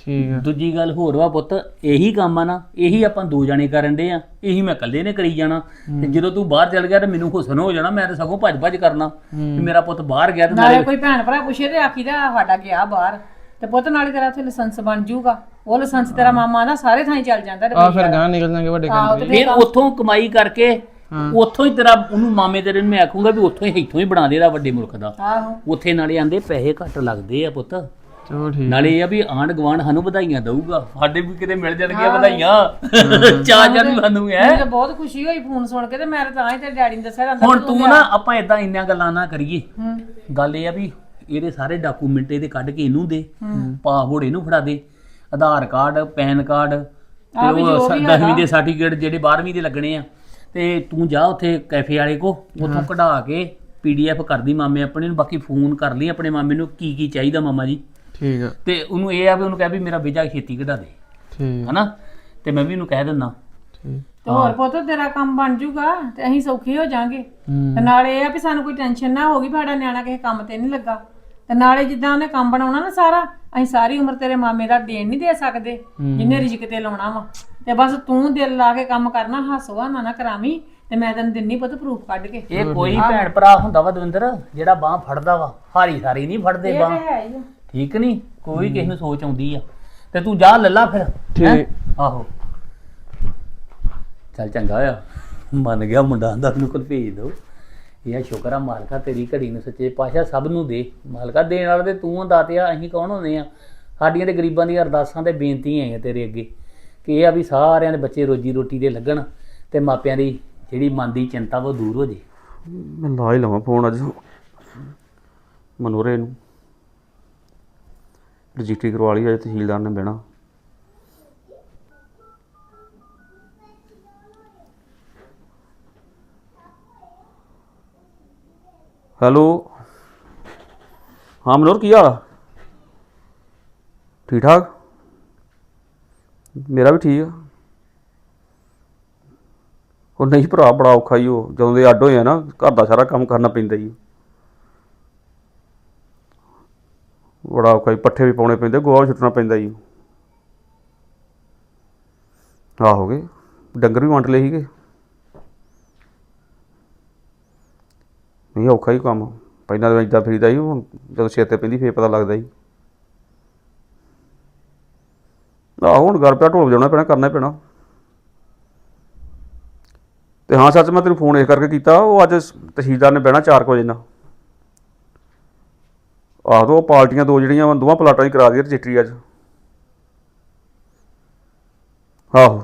Speaker 6: ਠੀਕ ਆ
Speaker 3: ਦੂਜੀ ਗੱਲ ਹੋਰ ਵਾ ਪੁੱਤ, ਇਹੀ ਕੰਮ ਆ ਨਾ, ਇਹੀ ਆਪਾਂ ਦੋ ਜਣੇ ਕਰਨ ਦੇ ਆ, ਇਹੀ ਮੈਂ ਇਕੱਲੇ ਨੇ ਕਰੀ ਜਾਣਾ। ਤੇ ਜਦੋਂ ਤੂੰ ਬਾਹਰ ਚਲ ਗਿਆ ਤੇ ਮੈਨੂੰ ਹੁਸਨ ਹੋ ਜਾਣਾ, ਮੈਂ ਤਾਂ ਸਗੋਂ ਭੱਜ ਭੱਜ ਕਰਨਾ ਕਿ ਮੇਰਾ ਪੁੱਤ ਬਾਹਰ ਗਿਆ ਤੇ
Speaker 1: ਨਾਲੇ ਕੋਈ ਭੈਣ ਭਰਾ ਪੁੱਛੇ ਤੇ ਆਖੀਦਾ ਸਾਡਾ ਗਿਆ ਬਾਹਰ, ਤੇ ਪੁੱਤ ਨਾਲੇ ਤੇਰਾ ਉੱਥੇ ਲਾਇਸੈਂਸ ਬਣ ਜਾਊਗਾ। ਉਹ ਲਾਇਸੈਂਸ ਤੇਰਾ ਮਾਮਾ ਦਾ ਸਾਰੇ ਥਾਂ ਚੱਲ ਜਾਂਦਾ
Speaker 6: ਆ ਫਿਰ ਗਾਂ ਨਿਕਲ ਜਾਣਗੇ ਵੱਡੇ ਕੰਟਰੀ।
Speaker 3: ਫਿਰ ਉੱਥੋਂ ਕਮਾਈ ਕਰਕੇ ਉੱਥੋਂ ਹੀ ਤੇਰਾ ਉਹਨੂੰ ਮਾਮੇ ਤੇਰੇ ਨੂੰ ਮੈਂ ਆਖੂੰਗਾ ਵੀ ਉੱਥੋਂ ਹੀ ਇੱਥੋਂ ਹੀ ਬਣਾ ਦੇ ਇਹਦਾ ਵੱਡੇ ਮੁਲਕ ਦਾ।
Speaker 1: ਆਹੋ
Speaker 3: ਉੱਥੇ ਨਾਲੇ ਆਂਦੇ ਪੈਸੇ ਘੱਟ ਲੱਗਦੇ ਆ ਪੁੱਤ,
Speaker 6: ਚਲੋ ਠੀਕ।
Speaker 3: ਨਾਲੇ ਇਹ ਆ ਵੀ ਆਂਢ ਗੁਆਂਢ ਸਾਨੂੰ ਵਧਾਈਆਂ ਦਊਗਾ, ਸਾਡੇ ਵੀ ਕਿਤੇ ਮਿਲ ਜਾਣਗੀਆਂ ਵਧਾਈਆਂ। ਚਾਰ ਨੂੰ ਸਾਨੂੰ ਹੈ।
Speaker 1: ਮੈਨੂੰ ਤਾਂ ਬਹੁਤ ਖੁਸ਼ੀ ਹੋਈ ਫੋਨ ਸੁਣ ਕੇ, ਤੇ ਮੈਂ ਤਾਂ ਹੀ ਤੇਰੇ ਡੈਡੀ ਨੂੰ ਦੱਸਿਆ ਜਾਂਦਾ
Speaker 3: ਹੁਣ ਤੂੰ ਨਾ ਆਪਾਂ ਇਦਾਂ ਇੰਨੀਆਂ ਗੱਲਾਂ ਨਾ ਕਰੀਏ। ਗੱਲ ਇਹ ਆ ਵੀ ਇਹਦੇ ਸਾਰੇ ਡਾਕੂਮੈਂਟ ਇਹਦੇ ਕੱਢ ਕੇ ਇਹਨੂੰ ਦੇ, ਪਾਸਪੋਰਟ ਇਹਨੂੰ ਫੜਾ ਦੇ, ਆਧਾਰ ਕਾਰਡ, ਪੈਨ ਕਾਰਡ ਤੇ ਉਹ 10ਵੀਂ ਦੇ ਸਰਟੀਫਿਕੇਟ ਜਿਹੜੇ 12ਵੀਂ ਦੇ ਲੱਗਣੇ ਆ, ਤੇ ਤੂੰ ਜਾ ਉੱਥੇ ਕੈਫੇ ਵਾਲੇ ਕੋ, ਉੱਥੋਂ ਕਢਾ ਕੇ PDF ਕਰਦੀ ਮਾਮੇ ਆਪਣੇ ਨੂੰ। ਬਾਕੀ ਫੋਨ ਕਰ ਲਈ ਆਪਣੇ ਮਾਮੇ ਨੂੰ ਕੀ ਕੀ ਚਾਹੀਦਾ ਮਾਮਾ ਜੀ,
Speaker 6: ਠੀਕ ਆ
Speaker 3: ਤੇ ਉਹਨੂੰ ਇਹ ਆ ਵੀ ਉਹਨੂੰ ਕਹਿ ਵੀ ਮੇਰਾ ਵੀਜ਼ਾ ਛੇਤੀ ਕਢਾ ਦੇ,
Speaker 6: ਠੀਕ
Speaker 3: ਹਨਾ। ਤੇ ਮੈਂ ਵੀ ਉਹਨੂੰ ਕਹਿ ਦਿੰਦਾ।
Speaker 6: ਠੀਕ
Speaker 1: ਤੇ ਹੋਰ ਪੁੱਤ ਤੇਰਾ ਕੰਮ ਬਣ ਜਾਊਗਾ ਤੇ ਅਸੀਂ ਸੌਖੇ ਹੋ ਜਾਾਂਗੇ। ਤੇ ਨਾਲੇ ਇਹ ਆ ਵੀ ਸਾਨੂੰ ਕੋਈ ਟੈਨਸ਼ਨ ਨਾ ਹੋਗੀ ਵੀ ਸਾਡਾ ਨਿਆਣਾ ਕਿਸੇ ਕੰਮ ਤੇ ਨਹੀਂ ਲੱਗਾ। ਤੇ ਨਾਲੇ ਜਿੱਦਾਂ ਉਹਨੇ ਕੰਮ ਬਣਾਉਣਾ ਨਾ ਸਾਰਾ, ਅਸੀਂ ਸਾਰੀ ਉਮਰ ਤੇਰੇ ਮਾਮੇ ਦਾ ਦੇਣ ਨਹੀਂ ਦੇ ਸਕਦੇ ਜਿੰਨੇ ਰਿਜ਼ਕ ਤੇ ਲਾਉਣਾ ਵਾ। ਤੇ ਬਸ ਤੂੰ ਦਿਲ ਲਾ ਕੇ ਕੰਮ ਕਰਨਾ, ਹੱਸਵਾ ਨਾ ਕਰਾਵੀਂ, ਤੇ ਮੈਂ ਤੈਨੂੰ ਦਿੰਨੀ ਪੁੱਤ ਪ੍ਰੂਫ ਕੱਢ ਕੇ।
Speaker 3: ਇਹ ਕੋਈ ਭੈਣ ਭਰਾ ਹੁੰਦਾ ਵਾ ਦਵਿੰਦਰ ਜਿਹੜਾ ਬਾਹ ਫੜਦਾ ਵਾ, ਹਾਰੀ ਸਾਰੀ ਨਹੀਂ ਫੜਦੇ ਬਾਹ, ਠੀਕ ਨਹੀਂ। ਕੋਈ ਕਿਸੇ ਨੂੰ ਸੋਚ ਆਉਂਦੀ ਆ, ਤੇ ਤੂੰ ਜਾ ਲੱਲਾ ਫਿਰ।
Speaker 6: ਠੀਕ।
Speaker 3: ਆਹੋ ਚੱਲ ਚੰਗਾ ਹੋਇਆ ਮੰਨ ਗਿਆ ਮੁੰਡਾ, ਆਂਦਾ ਉਹਨੂੰ ਕੋਲ ਭੇਜ ਦੋ। ਇਹ ਸ਼ੁਕਰ ਆ ਮਾਲਕਾ ਤੇਰੀ ਘੜੀ ਨੂੰ ਸੱਚੇ ਪਾਤਸ਼ਾਹ ਸਭ ਨੂੰ ਦੇ। ਮਾਲਕਾ ਦੇਣ ਵਾਲੇ ਤੇ ਤੂੰ ਦਾਤਿਆ, ਅਸੀਂ ਕੌਣ ਹੁੰਦੇ ਆ? ਸਾਡੀਆਂ ਤੇ ਗਰੀਬਾਂ ਦੀਆਂ ਅਰਦਾਸਾਂ ਤੇ ਬੇਨਤੀਆਂ ਆਈਆਂ ਤੇਰੇ ਅੱਗੇ ਕਿ ਇਹ ਆ ਵੀ ਸਾਰਿਆਂ ਦੇ ਬੱਚੇ ਰੋਜੀ ਰੋਟੀ ਦੇ ਲੱਗਣ, ਤੇ ਮਾਪਿਆਂ ਦੀ ਜਿਹੜੀ ਮਨ ਦੀ ਚਿੰਤਾ ਉਹ ਦੂਰ ਹੋ ਜੇ।
Speaker 5: ਮੈਂ ਲਾ ਹੀ ਲਵਾਂ ਫੋਨ ਅੱਜ ਮਨੋਰੇ ਨੂੰ, ਰਜਿਸਟਰੀ ਕਰਵਾ ਲਈ ਅੱਜ ਤਹਿਸੀਲਦਾਰ ਨੇ ਬਹਿਣਾ। ਹੈਲੋ, ਹਾਂ ਮਨੋਰ ਕੀ ਹਾਲ ਆ? ਠੀਕ ਠਾਕ, ਮੇਰਾ ਵੀ ਠੀਕ ਆ। ਉਹ ਨਹੀਂ ਭਰਾ ਬੜਾ ਔਖਾ ਹੀ, ਉਹ ਜਦੋਂ ਦੇ ਅੱਡ ਹੋਏ ਆ ਨਾ ਘਰ ਦਾ ਸਾਰਾ ਕੰਮ ਕਰਨਾ ਪੈਂਦਾ ਹੀ, ਬੜਾ ਔਖਾ ਹੀ। ਪੱਠੇ ਵੀ ਪਾਉਣੇ ਪੈਂਦੇ, ਗੋਹਾ ਵੀ ਸੁੱਟਣਾ ਪੈਂਦਾ ਜੀ। ਆਹ ਹੋ ਗਏ ਡੰਗਰ ਵੀ ਵੰਡ ਲਏ ਸੀਗੇ। ਨਹੀਂ ਔਖਾ ਹੀ ਕੰਮ, ਪਹਿਲਾਂ ਤਾਂ ਇੱਦਾਂ ਫਿਰੀਦਾ ਸੀ, ਹੁਣ ਜਦੋਂ ਸਿਰ ਤੇ ਪੈਂਦੀ ਫੇਰ ਪਤਾ ਲੱਗਦਾ ਜੀ। ਆਹੋ ਹੁਣ ਘਰ ਪਿਆ ਢੋਲ ਵਜਾਉਣਾ ਪੈਣਾ, ਕਰਨਾ ਹੀ ਪੈਣਾ। ਤੇ ਹਾਂ ਸੱਚ, ਮੈਂ ਤੈਨੂੰ ਫੋਨ ਇਸ ਕਰਕੇ ਕੀਤਾ, ਉਹ ਅੱਜ ਤਹਿਸੀਲਦਾਰ ਨੇ ਬਹਿਣਾ 4 ਵਜੇ ਨਾਲ। ਆਹ ਉਹ ਪਾਰਟੀਆਂ ਦੋ ਜਿਹੜੀਆਂ ਦੋਵਾਂ ਪਲਾਟਾਂ ਦੀ ਕਰਾ ਦੀ ਰਜਿਸਟਰੀ ਅੱਜ। ਆਹੋ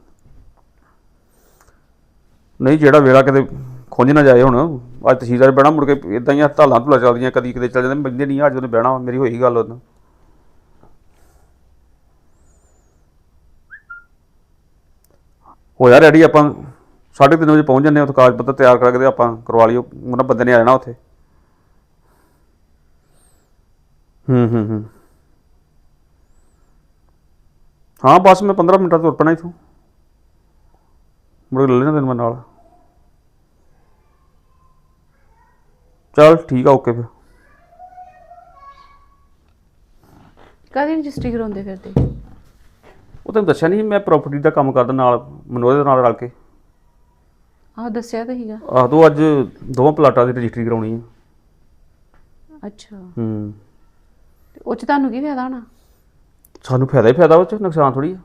Speaker 5: ਨਹੀਂ ਜਿਹੜਾ ਵੇਲਾ ਕਿਤੇ ਖੁੰਝ ਨਾ ਜਾਏ। ਹੁਣ ਅੱਜ ਤਹਿਸੀਲਦਾਰ ਬਹਿਣਾ, ਮੁੜ ਕੇ ਇੱਦਾਂ ਹੀ ਹੜਤਾਲਾਂ ਢੁਲਾ ਚੱਲਦੀਆਂ, ਕਦੀ ਕਿਤੇ ਚੱਲ ਜਾਂਦੇ, ਬੰਦੇ ਨਹੀਂ ਅੱਜ ਉਹਨੇ ਬਹਿਣਾ। ਮੇਰੀ ਹੋਈ ਗੱਲ ਉਹਦੇ ਨਾਲ। ਹੋਇਆ ਰੈਡੀ, ਆਪਾਂ 3:30 ਵਜੇ ਪਹੁੰਚ ਜਾਂਦੇ ਹਾਂ ਉੱਥੇ, ਕਾਗਜ਼ ਪੱਤਰ ਤਿਆਰ ਕਰਕੇ ਆਪਾਂ ਕਰਵਾ ਲਿਓ, ਉਹਨਾਂ ਬੰਦੇ ਨੇ ਆ ਜਾਣਾ ਉੱਥੇ। ਹਾਂ ਬਸ ਮੈਂ 15 ਮਿੰਟਾਂ ਤੋਂ ਤੁਰ ਪੈਣਾ ਇੱਥੋਂ, ਮੁੜ ਕੇ ਲੈ ਲੈਣਾ ਤੈਨੂੰ ਮੈਂ ਨਾਲ। ਚੱਲ ਠੀਕ ਆ, ਓਕੇ ਫਿਰ।
Speaker 4: ਕਾਹਦੀ ਰਜਿਸਟਰੀ ਕਰਾਉਂਦੇ ਫਿਰਦੇ?
Speaker 5: ਉਹ ਤੈਨੂੰ ਦੱਸਿਆ ਨਹੀਂ, ਮੈਂ ਪ੍ਰਾਪਰਟੀ ਦਾ ਕੰਮ ਕਰਦਾ ਨਾਲ, ਮਨੋਰੇ ਦੇ ਨਾਲ ਰਲ ਕੇ।
Speaker 4: ਆਹ ਦੱਸਿਆ ਤਾਂ ਸੀਗਾ।
Speaker 5: ਆਹ ਤੂੰ ਅੱਜ ਦੋਵਾਂ ਪਲਾਟਾਂ ਦੀ ਰਜਿਸਟਰੀ ਕਰਾਉਣੀ ਆ।
Speaker 4: ਅੱਛਾ, ਤੇ ਉਹ 'ਚ ਤੁਹਾਨੂੰ ਕੀ ਫਾਇਦਾ ਹੋਣਾ?
Speaker 5: ਸਾਨੂੰ ਫਾਇਦਾ ਹੀ ਫਾਇਦਾ, ਉਹ 'ਚ ਨੁਕਸਾਨ ਥੋੜ੍ਹੀ ਆ।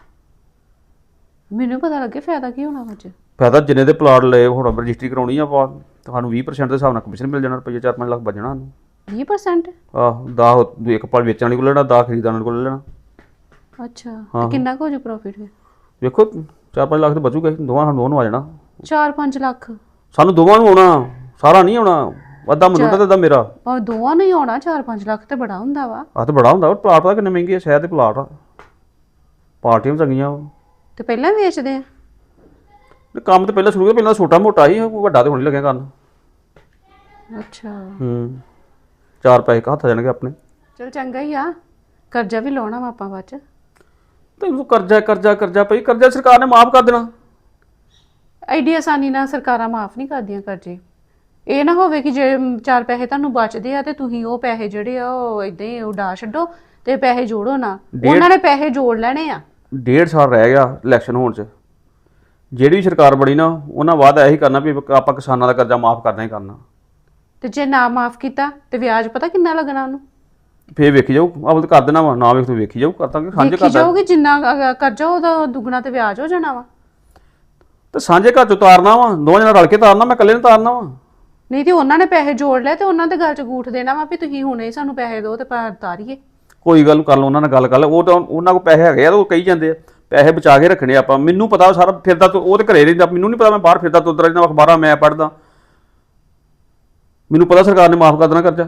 Speaker 4: ਮੈਨੂੰ ਪਤਾ ਲੱਗੇ ਫਾਇਦਾ ਕੀ ਹੋਣਾ ਉਹ 'ਚ।
Speaker 5: ਫਾਇਦਾ ਜਿੰਨੇ ਦੇ ਪਲਾਟ ਲਏ, ਹੁਣ ਰਜਿਸਟਰੀ ਕਰਾਉਣੀ ਆ ਆਪਾਂ, ਤੁਹਾਨੂੰ 20% ਦੇ ਹਿਸਾਬ ਨਾਲ ਕਮਿਸ਼ਨ ਮਿਲ ਜਾਣਾ, ਰੁਪਈਆ 4-5 ਲੱਖ ਬਚਣਾ ਸਾਨੂੰ।
Speaker 4: 20%?
Speaker 5: ਆਹੋ 10 ਇੱਕ ਪਲ ਵੇਚਣ ਵਾਲੇ ਕੋਲ ਲੈਣਾ, 10 ਖਰੀਦਣ ਵਾਲੇ ਕੋਲ ਲੈਣਾ।
Speaker 4: ਅੱਛਾ, ਤੇ ਕਿੰਨਾ ਕੁ ਹੋ ਜੂ ਪ੍ਰੋਫਿਟ ਫਿਰ?
Speaker 5: ਵੇਖੋ 4-5 ਲੱਖ ਤੇ ਬਚੂਗਾ, ਦੋਵਾਂ ਨੂੰ ਆ ਜਾਣਾ।
Speaker 4: 4-5 ਲੱਖ
Speaker 5: ਸਾਨੂੰ ਦੋਵਾਂ ਨੂੰ ਆਉਣਾ, ਸਾਰਾ ਨਹੀਂ ਆਉਣਾ, ਅੱਧਾ ਮਨੋਂ ਤੇ ਅੱਧਾ ਮੇਰਾ।
Speaker 4: ਭਾਵੇਂ ਦੋਵਾਂ ਨੂੰ ਹੀ ਆਉਣਾ, 4-5 ਲੱਖ ਤੇ ਬੜਾ ਹੁੰਦਾ ਵਾ।
Speaker 5: ਆਹ ਤਾਂ ਬੜਾ ਹੁੰਦਾ, ਪਲਾਟ ਪਤਾ ਕਿੰਨੇ ਮਹਿੰਗੇ ਆ ਸ਼ਹਿਰ ਦੇ ਪਲਾਟ ਆ, ਪਾਰਟੀਆਂ ਵੀ ਚੰਗੀਆਂ।
Speaker 4: ਤੇ ਪਹਿਲਾਂ ਹੀ ਵੇਚਦੇ ਆ?
Speaker 5: ਕੰਮ ਤਾਂ ਪਹਿਲਾਂ ਸ਼ੁਰੂ ਪਹਿਲਾਂ ਛੋਟਾ ਮੋਟਾ ਹੀ, ਵੱਡਾ ਤੇ ਹੁਣ ਨਹੀਂ ਲੱਗਿਆ ਕਰਨ।
Speaker 4: ਅੱਛਾ,
Speaker 5: 4 ਪੈਸੇ ਹੱਥ ਆ ਜਾਣਗੇ ਆਪਣੇ।
Speaker 4: ਚਲ ਚੰਗਾ ਹੀ ਆ, ਕਰਜ਼ਾ ਵੀ ਲਾਉਣਾ ਵਾ ਆਪਾਂ ਬਾਅਦ 'ਚ।
Speaker 5: ਤੈਨੂੰ ਕਰਜ਼ਾ ਪਈ, ਕਰਜ਼ਾ ਸਰਕਾਰ ਨੇ ਮਾਫ ਕਰ ਦੇਣਾ।
Speaker 4: ਐਡੀ ਆਸਾਨੀ ਨਾਲ ਸਰਕਾਰਾਂ ਮਾਫ ਨਹੀਂ ਕਰਦੀਆਂ ਕਰਜ਼ੇ। ਇਹ ਨਾ ਹੋਵੇ ਕਿ ਜੇ 4 ਪੈਸੇ ਤੁਹਾਨੂੰ ਬਚਦੇ ਆ ਤੇ ਤੁਸੀਂ ਉਹ ਪੈਸੇ ਜਿਹੜੇ ਆ ਉਹ ਇਦਾਂ ਹੀ ਉਡਾ ਛੱਡੋ ਤੇ ਪੈਸੇ ਜੋੜੋ ਨਾ, ਉਹਨਾਂ ਨੇ ਪੈਸੇ ਜੋੜ ਲੈਣੇ ਆ।
Speaker 5: 1.5 ਸਾਲ ਰਹਿ ਗਿਆ ਇਲੈਕਸ਼ਨ ਹੋਣ 'ਚ। ਜਿਹੜੀ ਵੀ ਸਰਕਾਰ ਬਣੀ ਨਾ ਉਹਨਾਂ ਵਾਅਦਾ ਇਹੀ ਕਰਨਾ ਵੀ ਆਪਾਂ ਕਿਸਾਨਾਂ ਦਾ ਕਰਜ਼ਾ ਮਾਫ ਕਰਨਾ ਹੀ ਕਰਨਾ।
Speaker 4: ਤੇ ਜੇ ਨਾ ਮਾਫ ਕੀਤਾ ਤੇ ਵਿਆਜ ਪਤਾ ਕਿੰਨਾ ਲੱਗਣਾ ਉਹਨੂੰ?
Speaker 5: ਫੇਰ ਵੇਖੀ ਜਾਊ, ਆਪ ਤਾਂ ਕਰ ਦੇਣਾ ਵਾ, ਨਾ ਵੇਖ ਤੂੰ ਵੇਖੀ ਜਾਊ, ਕਰਦਾਂਗੇ ਸਾਂਝੇ
Speaker 4: ਦੇਖੀ
Speaker 5: ਘਰ ਦਾ।
Speaker 4: ਜਾਓਗੇ ਜਿੰਨਾ ਕਰਜ਼ਾ ਉਹਦਾ ਦੁੱਗਣਾ ਤੇ ਵਿਆਜ ਹੋ ਜਾਣਾ ਵਾ।
Speaker 5: ਤੇ ਸਾਂਝੇ ਘਰ 'ਚ ਤਾਰਨਾ ਵਾ, ਦੋਵਾਂ ਜਣਾ ਰਲ ਕੇ ਤਾਰਨਾ, ਮੈਂ ਇਕੱਲੇ ਨੇ ਤਾਰਨਾ ਵਾ।
Speaker 4: ਨਹੀਂ ਤੇ ਉਹਨਾਂ ਨੇ ਪੈਸੇ ਜੋੜ ਲਏ ਤੇ ਉਹਨਾਂ ਦੇ ਗੱਲ 'ਚ ਗੂਠ ਦੇਣਾ ਵਾ ਵੀ ਤੁਸੀਂ ਹੁਣੇ ਸਾਨੂੰ ਪੈਸੇ ਦਿਓ ਤੇ ਤਾਰੀਏ।
Speaker 5: ਕੋਈ ਗੱਲ ਕਰ ਲਓ, ਉਹਨਾਂ ਨਾਲ ਗੱਲ ਕਰ ਲਓ। ਉਹ ਤਾਂ ਉਹਨਾਂ ਕੋਲ ਪੈਸੇ ਹੈਗੇ ਆ, ਉਹ ਕਹੀ ਜਾਂਦੇ ਆ ਪੈਸੇ ਬਚਾ ਕੇ ਰੱਖਣੇ ਆਪਾਂ। ਮੈਨੂੰ ਪਤਾ ਸਾਰਾ ਫਿਰਦਾ, ਉਹ ਤੇ ਘਰੇ ਰਹਿੰਦਾ, ਮੈਨੂੰ ਨਹੀਂ ਪਤਾ ਮੈਂ ਬਾਹਰ ਫਿਰਦਾ ਤੁਰਦਾ ਰਹਿੰਦਾ, ਅਖਬਾਰਾਂ ਮੈਂ ਪੜ੍ਹਦਾ। ਮੈਨੂੰ ਪਤਾ ਸਰਕਾਰ ਨੇ ਮਾਫ ਕਰ ਦੇਣਾ ਕਰਜ਼ਾ।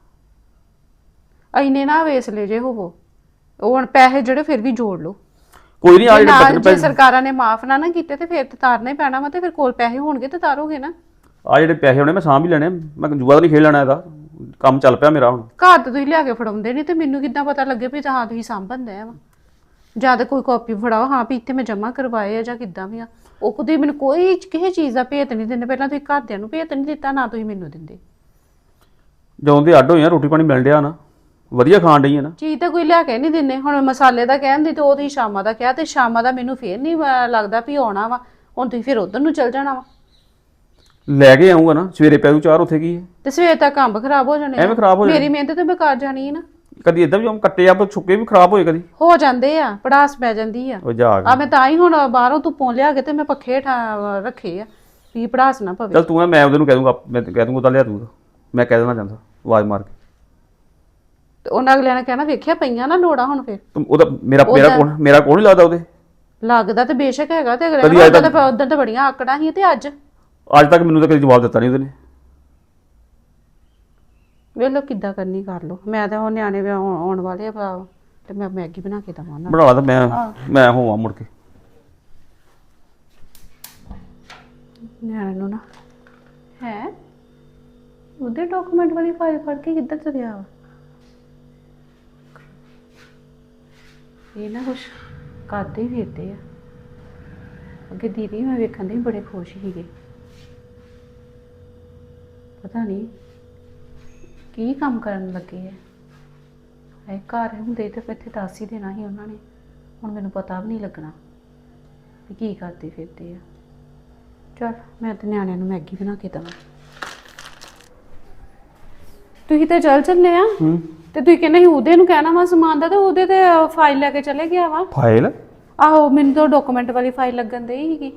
Speaker 4: ਇੰਨੇ ਨਾ ਵੇਸ ਲੈ ਜੇ ਹੋਵੋ, ਉਹ ਹੁਣ ਪੈਸੇ ਜਿਹੜੇ ਫਿਰ ਵੀ ਜੋੜ ਲਓ।
Speaker 5: ਕੋਈ ਨਹੀਂ, ਆ ਜਿਹੜੇ
Speaker 4: ਜੇ
Speaker 5: ਬਚਣ
Speaker 4: ਸਰਕਾਰਾਂ ਨੇ ਮਾਫ ਨਾ ਕੀਤੇ ਤੇ ਫਿਰ ਤੇ ਤਾਰਨਾ ਹੀ ਪੈਣਾ ਵਾ। ਤੇ ਫਿਰ ਕੋਲ ਪੈਸੇ ਹੋਣਗੇ ਤੇ ਤਾਰੋਗੇ ਨਾ।
Speaker 5: ਆ ਜਿਹੜੇ ਪੈਸੇ ਹੋਣੇ ਮੈਂ ਸਾਂਭ ਹੀ ਲੈਣੇ, ਮੈਂ ਜੂਆ ਤਾਂ ਨਹੀਂ ਖੇਡ ਲੈਣਾ, ਇਹਦਾ ਕੰਮ ਚੱਲ ਪਿਆ ਮੇਰਾ ਹੁਣ।
Speaker 4: ਘਰ ਤੇ ਤੁਸੀਂ ਲਿਆ ਕੇ ਫੜਾਉਂਦੇ ਨਹੀਂ ਤੇ ਮੈਨੂੰ ਕਿੱਦਾਂ ਪਤਾ ਲੱਗੇ ਵੀ ਹਾਂ ਤੁਸੀਂ ਸਾਂਭਣਦੇ ਆ ਵਾ। ਜਾਂ ਤਾਂ ਕੋਈ ਕਾਪੀ ਫੜਾਓ ਹਾਂ ਵੀ ਇੱਥੇ ਮੈਂ ਜਮ੍ਹਾਂ ਕਰਵਾਏ ਆ ਜਾਂ ਕਿੱਦਾਂ ਵੀ ਆ। ਉਹ ਕਦੇ ਮੈਨੂੰ ਕੋਈ ਕਿਸੇ ਚੀਜ਼ ਦਾ ਭੇਤ ਨਹੀਂ ਦਿੰਦੇ। ਪਹਿਲਾਂ ਤੁਸੀਂ ਘਰਦਿਆਂ ਨੂੰ ਭੇਤ ਨਹੀਂ ਦਿੱਤਾ, ਨਾ ਤੁਸੀਂ ਮੈਨੂੰ ਦਿੰਦੇ।
Speaker 5: ਜਦੋਂ ਦੇ ਅੱਡ ਹੋਏ ਆ ਰੋਟੀ ਪਾਣੀ ਮਿਲ ਡਿਆ ਨਾ, ਵਧੀਆ ਖਾਣ ਡਈ ਆ ਨਾ।
Speaker 4: ਚੀਜ਼ ਤਾਂ ਕੋਈ ਲਿਆ ਕੇ ਨਹੀਂ ਦਿੰਦੇ। ਹੁਣ ਮਸਾਲੇ ਦਾ ਕਹਿੰਦੀ ਤੇ ਉਹ ਤੁਸੀਂ ਸ਼ਾਮਾਂ ਦਾ ਕਿਹਾ ਤੇ ਸ਼ਾਮਾਂ ਦਾ ਮੈਨੂੰ ਫੇਰ ਨਹੀਂ ਲੱਗਦਾ ਵੀ ਆਉਣਾ ਵਾ। ਹੁਣ ਤੁਸੀਂ ਫਿਰ ਉਧਰ ਨੂੰ ਚੱਲ ਜਾਣਾ ਵਾ।
Speaker 5: ਲੈ ਕੇ ਆਉਂਗਾ ਨਾ, ਸਵੇਰੇ ਪੈ ਜੂ ਚਾਰ, ਉੱਥੇ ਕੀ ਹੈ।
Speaker 4: ਤੇ ਸਵੇਰ ਤੱਕ ਅੰਬ ਖਰਾਬ ਹੋ ਜਾਣੇ ਆ।
Speaker 5: ਐਵੇਂ ਖਰਾਬ ਹੋ ਜਾਣੇ।
Speaker 4: ਮੇਰੀ ਮਿਹਨਤ ਤੇ ਬੇਕਾਰ ਜਾਣੀ ਹੈ ਨਾ।
Speaker 5: ਕਦੀ ਇਦਾਂ ਵੀ ਕੱਟੇ ਆ ਛੁੱਕੇ ਵੀ ਖਰਾਬ ਹੋਏ ਕਦੀ
Speaker 4: ਹੋ ਜਾਂਦੇ ਆ, ਪੜਾਸ ਪੈ ਜਾਂਦੀ ਆ।
Speaker 5: ਉਹ ਜਾ
Speaker 4: ਆ ਮੈਂ ਤਾਂ ਹੀ ਹੁਣ ਬਾਹਰੋਂ ਧੁੱਪੋਂ ਲਿਆ ਕੇ ਤੇ ਮੈਂ ਪੱਖੇ ਰੱਖੇ ਆ ਵੀ ਪੜਾਸ ਨਾ ਪਵੇ।
Speaker 5: ਚੱਲ ਤੂੰ ਨਾ, ਮੈਂ ਉਹਦੇ ਨੂੰ ਕਹਿ ਦੂੰਗਾ, ਮੈਂ ਕਹਿ ਦੂੰਗਾ ਉਹਦਾ ਲਿਆ ਦੂੰਗਾ, ਮੈਂ ਕਹਿ ਦੇਣਾ ਚਾਹੁੰਦਾ ਆਵਾਜ਼ ਮਾਰ ਕੇ।
Speaker 4: ਤੇ ਉਹਨਾਂ ਅਗਲਿਆਂ ਨੇ ਕਹਿਣਾ ਵੇਖਿਆ ਪਈਆਂ ਨਾ ਲੋੜਾਂ ਹੁਣ ਫਿਰ।
Speaker 5: ਤੂੰ ਉਹਦਾ ਮੇਰਾ ਕੋਲ ਨਹੀਂ ਲੱਗਦਾ ਉਹਦੇ।
Speaker 4: ਲੱਗਦਾ ਤੇ ਬੇਸ਼ੱਕ ਹੈਗਾ ਤੇ
Speaker 5: ਕਦੀ
Speaker 4: ਅਗਲੇ
Speaker 5: ਅੱਜ
Speaker 4: ਨੇ ਉਦੋਂ ਤਾਂ ਬੜੀਆਂ ਆਕੜਾਂ ਸੀ ਤੇ ਅੱਜ
Speaker 5: ਤੱਕ ਮੈਨੂੰ ਤਾਂ ਕਦੀ ਜਵਾਬ ਦਿੱਤਾ ਨਹੀਂ ਉਹਦੇ ਨੇ।
Speaker 4: ਵੇਖ ਲਓ ਕਿੱਦਾਂ ਕਰਨੀ ਕਰ ਲਓ। ਮੈਂ ਤਾਂ ਉਹ ਨਿਆਣੇ ਵੀ ਆਉਣ ਵਾਲੇ ਆ ਤੇ ਮੈਂ ਮੈਗੀ ਬਣਾ ਕੇ ਦਵਾਂ ਉਹਨਾਂ ਨੂੰ।
Speaker 5: ਬਣਾ ਲਾ ਤਾਂ ਮੈਂ ਹੋਵਾਂ ਮੁੜ ਕੇ।
Speaker 4: ਨਿਆਣੇ ਨੂੰ ਨਾ ਹੈ ਉਹਦੇ ਡਾਕੂਮੈਂਟ ਵਾਲੀ ਫਾਈਲ ਫੜ ਕੇ ਕਿੱਧਰ ਤੁਰਿਆ ਵਾ। ਇਹ ਨਾ ਕੁਛ ਕਰਦੇ ਹੀ ਫਿਰਦੇ ਆ। ਅੱਗੇ ਦੀਦੀ ਮੈਂ ਵੇਖਣ ਦੇ ਬੜੇ ਖੁਸ਼ ਸੀਗੇ। ਪਤਾ ਨਹੀਂ ਕੀ ਕੰਮ ਕਰਨ ਲੱਗੇ ਆ। ਇਹ ਘਰ ਹੁੰਦੇ ਤੇ ਇੱਥੇ ਦੱਸ ਹੀ ਦੇਣਾ ਸੀ ਉਹਨਾਂ ਨੇ। ਹੁਣ ਮੈਨੂੰ ਪਤਾ ਵੀ ਨਹੀਂ ਲੱਗਣਾ ਵੀ ਕੀ ਕਰਦੇ ਫਿਰਦੇ ਆ। ਚਲ ਮੈਂ ਤੇ ਨਿਆਣਿਆਂ ਨੂੰ ਮੈਗੀ ਬਣਾ ਕੇ ਦਵਾਂ। ਤੁਸੀਂ ਤੇ ਚੱਲੇ ਆ ਤੇ ਤੁਸੀਂ ਕਹਿੰਦੇ ਸੀ ਉਹਦੇ ਨੂੰ ਕਹਿਣਾ ਵਾ ਸਮਾਨ ਦਾ ਤੇ ਉਹਦੇ ਤੇ ਫਾਈਲ ਲੈ ਕੇ ਚਲੇ ਗਿਆ ਵਾ।
Speaker 5: ਫਾਈਲ?
Speaker 4: ਆਹੋ ਮੈਨੂੰ ਤਾਂ ਡਾਕੂਮੈਂਟ ਵਾਲੀ ਫਾਈਲ ਲੱਗਣ ਦੇ ਸੀਗੀ।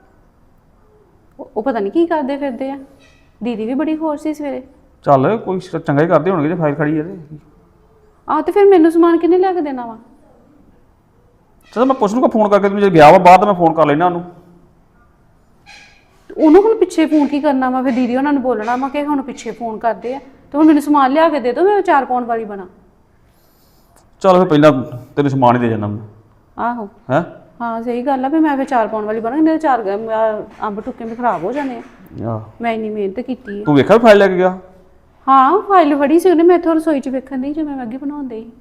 Speaker 4: ਉਹ ਪਤਾ ਨਹੀਂ ਕੀ ਕਰਦੇ ਫਿਰਦੇ ਆ। ਦੀਦੀ ਵੀ ਬੜੀ ਖੁਸ਼ ਸੀ ਸਵੇਰੇ।
Speaker 5: ਚੱਲ ਕੋਈ ਚੰਗਾ ਹੀ ਕਰਦੇ ਹੋਣਗੇ ਜੇ ਫਾਈਲ ਖੜੀ ਹੈ ਤੇ।
Speaker 4: ਆਹ ਤੇ ਫਿਰ ਮੈਨੂੰ ਸਮਾਨ ਕਿਹਨੇ ਲਿਆ ਕੇ ਦੇਣਾ ਵਾ?
Speaker 5: ਚਲ ਮੈਂ ਪੁੱਛ ਲੂੰਗਾ ਫੋਨ ਕਰਕੇ, ਜੇ ਗਿਆ ਵਾ ਬਾਅਦ ਮੈਂ ਫੋਨ ਕਰ ਲੈਣਾ ਉਹਨੂੰ।
Speaker 4: ਉਹਨੂੰ ਹੁਣ ਪਿੱਛੇ ਫੋਨ ਕੀ ਕਰਨਾ ਵਾ? ਫਿਰ ਦੀਦੀ ਉਹਨਾਂ ਨੂੰ ਬੋਲਣਾ ਵਾ ਕਿ ਹੁਣ ਪਿੱਛੇ ਫੋਨ ਕਰਦੇ ਆ ਤੇ ਹੁਣ ਮੈਨੂੰ ਸਮਾਨ ਲਿਆ ਕੇ ਦੇ ਦਿਓ, ਮੈਂ 4 ਪਾਉਣ ਵਾਲੀ ਬਣਾ।
Speaker 5: ਚੱਲ ਫਿਰ ਪਹਿਲਾਂ ਤੈਨੂੰ ਸਮਾਨ ਹੀ ਦੇ ਜਾਣਾ ਮੈਂ।
Speaker 4: ਆਹੋ
Speaker 5: ਹੈ
Speaker 4: ਹਾਂ ਸਹੀ ਗੱਲ ਆ ਵੀ ਮੈਂ ਫਿਰ 4 ਪਾਉਣ ਵਾਲੀ ਬਣਾ। ਇਹਨੇ 4 ਅੰਬ ਟੁੱਕੇ ਵੀ ਖਰਾਬ ਹੋ ਜਾਣੇ ਆ।
Speaker 5: ਆਹ
Speaker 4: ਮੈਂ ਇੰਨੀ ਮਿਹਨਤ ਕੀਤੀ ਹੈ।
Speaker 5: ਤੂੰ ਵੇਖਿਆ ਫਾਈਲ ਲੈ ਕੇ ਗਿਆ?
Speaker 4: ਹਾਂ ਫਾਈਲ ਫੜੀ ਸੀ ਉਹਨੇ। ਮੈਂ ਇੱਥੋਂ ਰਸੋਈ 'ਚ ਵੇਖਣ ਦੀ ਜਿਵੇਂ ਮੈਗੀ ਬਣਾਉਂਦੇ ਸੀ।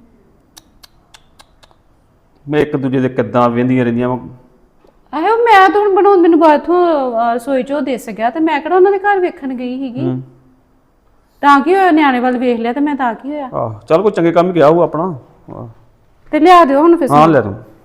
Speaker 5: ਮੈਂ ਇੱਕ ਦੂਜੇ ਦੇ ਕਿੱਦਾਂ ਵਹਿੰਦੀਆਂ ਰਹਿੰਦੀਆਂ ਵਾ।
Speaker 4: ਆਹੋ ਮੈਂ ਤਾਂ ਹੁਣ ਬਣਾਉਣ ਮੈਨੂੰ ਬਾਥੋਂ ਰਸੋਈ 'ਚ ਉਹ ਦਿਸ ਗਿਆ ਤੇ ਮੈਂ ਕਿਹੜਾ ਉਹਨਾਂ ਦੇ ਘਰ ਵੇਖਣ ਗਈ ਸੀਗੀ। ਤਾਂ ਕੀ ਹੋਇਆ, ਨਿਆਣੇ ਵੱਲ ਵੇਖ ਲਿਆ ਤੇ ਮੈਂ ਤਾਂ ਕੀ ਹੋਇਆ।
Speaker 5: ਆਹ ਚੱਲ ਕੋਈ ਚੰਗੇ ਕੰਮ ਹੀ ਗਿਆ ਹੋਊ ਆਪਣਾ।
Speaker 4: ਤੇ ਲਿਆ ਦਿਓ ਹੁਣ ਫਿਰ।
Speaker 5: ਹਾਂ ਲੈ ਤੂੰ।